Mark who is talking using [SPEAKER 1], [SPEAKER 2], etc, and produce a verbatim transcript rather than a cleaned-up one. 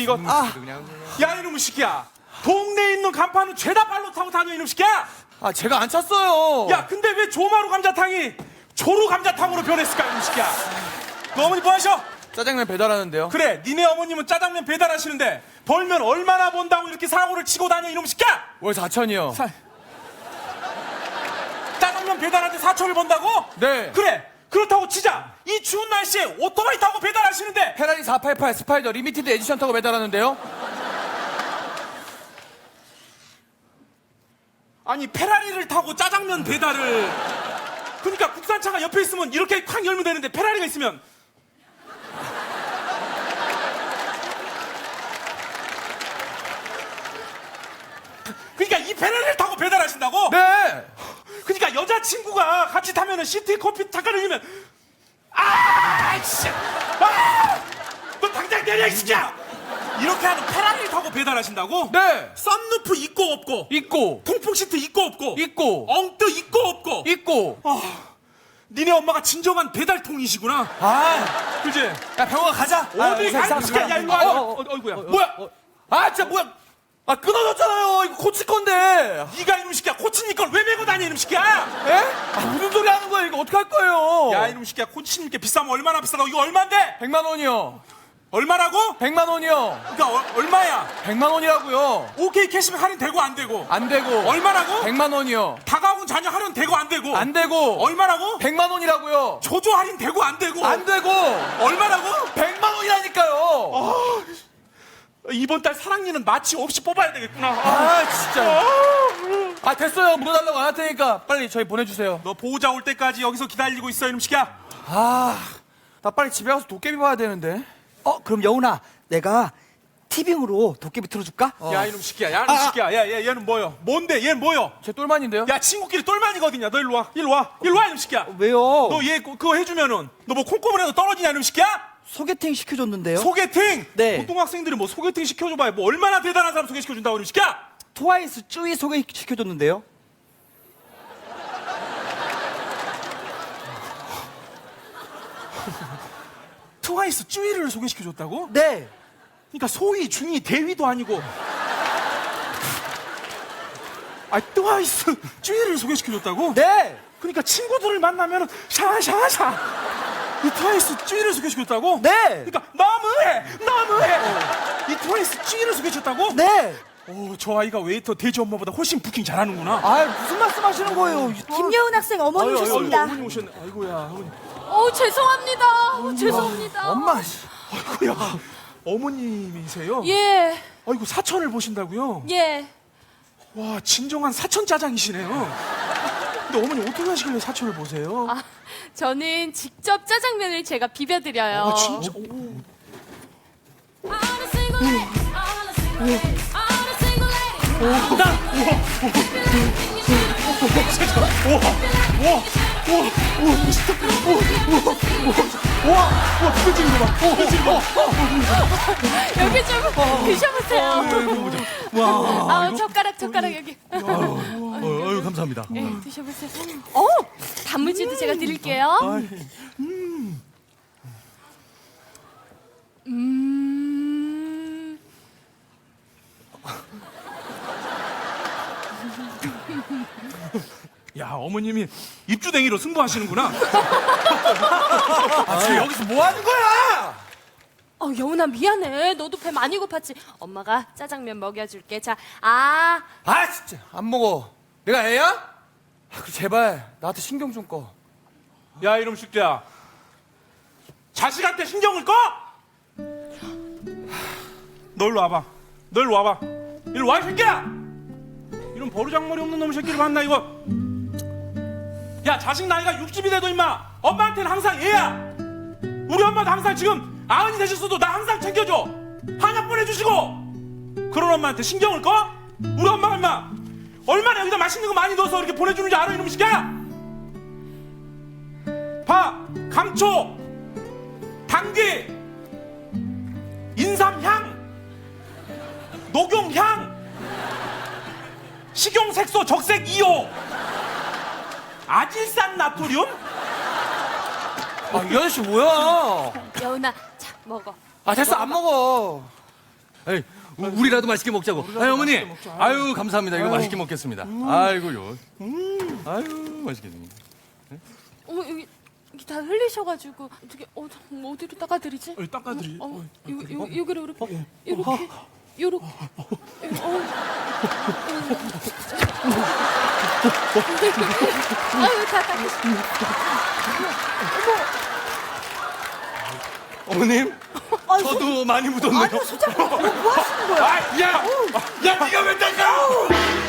[SPEAKER 1] 이거.
[SPEAKER 2] 아,
[SPEAKER 1] 야 이놈의 새끼야. 동네에 있는 간판은 죄다 발로 타고 다녀 이놈의 새끼야.
[SPEAKER 2] 아 제가 안 찼어요.
[SPEAKER 1] 야 근데 왜 조마루 감자탕이 조루 감자탕으로 변했을까 이놈의 새끼야. 너 어머니 뭐 하셔?
[SPEAKER 2] 짜장면 배달하는데요.
[SPEAKER 1] 그래 니네 어머님은 짜장면 배달하시는데 벌면 얼마나 번다고 이렇게 사고를 치고 다녀 이놈의 새끼야.
[SPEAKER 2] 월 사천이요.
[SPEAKER 1] 사... 짜장면 배달하는데 사천을 번다고?
[SPEAKER 2] 네.
[SPEAKER 1] 그래 그렇다고 치자. 이 추운 날씨에 오토바이 타고 배달하시는데
[SPEAKER 2] 페라리 사팔팔 스파이더 리미티드 에디션 타고 배달하는데요.
[SPEAKER 1] 아니 페라리를 타고 짜장면 배달을. 그러니까 국산차가 옆에 있으면 이렇게 쾅 열면 되는데 페라리가 있으면. 그러니까 이 페라리를 타고 배달하신다고?
[SPEAKER 2] 네.
[SPEAKER 1] 그러니까 여자친구가 같이 타면은 시트에 커피 잠깐 흘리면 아 진짜 아! 너 당장 내려 이 새끼야. 이렇게 하는 페라리를 타고 배달하신다고?
[SPEAKER 2] 네.
[SPEAKER 1] 썬루프 있고 없고
[SPEAKER 2] 있고
[SPEAKER 1] 통풍 시트 있고 없고
[SPEAKER 2] 있고
[SPEAKER 1] 엉뜨 있고 없고
[SPEAKER 2] 있고.
[SPEAKER 1] 아, 니네 엄마가 진정한 배달통이시구나.
[SPEAKER 2] 아,
[SPEAKER 1] 그지?
[SPEAKER 2] 야 병원 가자.
[SPEAKER 1] 어디
[SPEAKER 2] 아,
[SPEAKER 1] 가는 거야? 야 이거 와.
[SPEAKER 2] 어,
[SPEAKER 1] 어,
[SPEAKER 2] 어,
[SPEAKER 1] 어, 어이구야.
[SPEAKER 2] 뭐야? 아 진짜 뭐야? 아 끊어졌잖아요. 이거 고칠 건데.
[SPEAKER 1] 네가 이놈 새끼야 코치님 걸 왜 메고 다니 이놈 새끼야?
[SPEAKER 2] 에? 아 무슨 소리 하는 거야? 이거 어떡할 거예요?
[SPEAKER 1] 야 이놈 새끼야 코치님께 비싸면 얼마나 비싸다고? 이거 얼마인데?
[SPEAKER 2] 백만 원이요.
[SPEAKER 1] 얼마라고?
[SPEAKER 2] 백만 원이요.
[SPEAKER 1] 그러니까 어, 얼마야?
[SPEAKER 2] 백만 원이라고요.
[SPEAKER 1] 오케이 캐시면 할인 되고 안 되고?
[SPEAKER 2] 안 되고.
[SPEAKER 1] 얼마라고?
[SPEAKER 2] 백만 원이요.
[SPEAKER 1] 다가온 자녀 할인 되고 안 되고?
[SPEAKER 2] 안 되고.
[SPEAKER 1] 얼마라고?
[SPEAKER 2] 백만 원이라고요.
[SPEAKER 1] 조조 할인 되고 안 되고?
[SPEAKER 2] 안 되고.
[SPEAKER 1] 얼마라고?
[SPEAKER 2] 백만 원이라니까요.
[SPEAKER 1] 이번 달 사랑니는 마취 없이 뽑아야 되겠구나.
[SPEAKER 2] 아 진짜. 아 됐어요. 물어달라고 안 할 테니까 빨리 저희 보내주세요.
[SPEAKER 1] 너 보호자 올 때까지 여기서 기다리고 있어 이놈 새끼야.
[SPEAKER 2] 아, 나 빨리 집에 가서 도깨비 봐야 되는데.
[SPEAKER 3] 어, 그럼 여운아, 내가 티빙으로 도깨비 틀어줄까?
[SPEAKER 1] 야 이놈 새끼야. 야 이놈 새끼야. 야, 얘 얘는 뭐요? 뭔데? 얘는 뭐요?
[SPEAKER 2] 제 똘만인데요.
[SPEAKER 1] 야 친구끼리 똘만이거든요. 너 일로 와. 일로 와. 일로 와 이놈 새끼야.
[SPEAKER 3] 왜요?
[SPEAKER 1] 너 얘 그거 해주면은 너 뭐 콩고물에도 떨어지냐 이놈 새끼야?
[SPEAKER 3] 소개팅 시켜줬는데요.
[SPEAKER 1] 소개팅?
[SPEAKER 3] 네.
[SPEAKER 1] 보통 학생들이 뭐 소개팅 시켜줘봐야 뭐 얼마나 대단한 사람 소개시켜준다고 이놈 새끼야?
[SPEAKER 3] 트와이스 쭈이 소개시켜줬는데요.
[SPEAKER 1] 트와이스 쭈이를 소개시켜줬다고?
[SPEAKER 3] 네.
[SPEAKER 1] 그러니까 소위 중위 대위도 아니고 아 트와이스 쭈이를 소개시켜줬다고?
[SPEAKER 3] 네.
[SPEAKER 1] 그러니까 친구들을 만나면 샤샤샤 이 트와이스 쭈이를 소개시켰다고?
[SPEAKER 3] 네.
[SPEAKER 1] 그러니까 너무해 너무해 이 트와이스 쭈이를 소개시켰다고?
[SPEAKER 3] 네.
[SPEAKER 1] 오저 아이가 웨이터 대지 엄마보다 훨씬 부킹 잘하는구나.
[SPEAKER 3] 아, 무슨 말씀 하시는 거예요?
[SPEAKER 4] 김여은 학생 어머니
[SPEAKER 1] 아유, 아유,
[SPEAKER 4] 오셨습니다.
[SPEAKER 1] 어머니 오셨네. 아이고야 어머니.
[SPEAKER 4] 어 죄송합니다. 어, 죄송합니다.
[SPEAKER 3] 엄마, 씨.
[SPEAKER 1] 아이고야 어머님이세요?
[SPEAKER 4] 예,
[SPEAKER 1] 아이고 사천을 보신다고요?
[SPEAKER 4] 예.
[SPEAKER 1] 와 진정한 사천 짜장이시네요. 근데 어머니 어떻게 하시길래 사천을 보세요?
[SPEAKER 4] 아, 저는 직접 짜장면을 제가 비벼드려요.
[SPEAKER 1] 아 진짜. 오.
[SPEAKER 4] 여기 좀 드셔보세요. 아, 젓가락, 젓가락 여기.
[SPEAKER 1] 아유 감사합니다.
[SPEAKER 4] 네, 드셔보세요. 어, 단무지도 제가 드릴게요. 음.
[SPEAKER 1] 야 어머님이 입주댕이로 승부하시는구나.
[SPEAKER 2] 아, 지금 여기서 뭐 하는 거야?
[SPEAKER 4] 어, 여운아 미안해. 너도 배 많이 고팠지. 엄마가 짜장면 먹여줄게. 자, 아,
[SPEAKER 2] 아, 진짜 안 먹어. 내가 애야? 아, 그 제발 나한테 신경 좀 꺼.
[SPEAKER 1] 야 이놈 새끼야. 자식한테 신경을 꺼? 너 일로 와봐. 너 일로 와봐. 일로 와 이 새끼야. 이런 버르장머리 없는 놈 새끼를 봤나 이거. 야 자식 나이가 육십이 돼도 임마 엄마한테는 항상 얘야. 우리 엄마도 항상 지금 아흔이 되셨어도 나 항상 챙겨줘. 한약 보내주시고. 그런 엄마한테 신경을 꺼? 우리 엄마가 임마 얼마나 여기다 맛있는 거 많이 넣어서 이렇게 보내주는지 알아 이놈 새끼야. 봐 감초 당귀 인삼향 녹용향 식용색소 적색 이호 아질산 나트륨.
[SPEAKER 2] 아, 이 아저씨 뭐야?
[SPEAKER 4] 여운아, 자, 먹어.
[SPEAKER 2] 아, 됐어, 안 먹어. 에이, 우- 우리라도 맛있게 먹자고. 아유, 어머니. 아유, 감사합니다. 이거 맛있게 먹겠습니다. 아이고요. 아유, 맛있게 생겼네.
[SPEAKER 4] 어머 여기 여기 다 흘리셔가지고 어떻게 어 뭐 어디로 닦아드리지?
[SPEAKER 1] 어, 닦아드리.
[SPEAKER 4] 어, 어, 요, 요, 여기로 이렇게 이렇게 요렇게 어. 아유 다 닦으시.
[SPEAKER 2] 어머님, 저도 많이 묻었네요.
[SPEAKER 3] 아니 소장님 뭐, 뭐 하시는 거야?
[SPEAKER 2] 아, 야! 야, 네가 왜 닦아!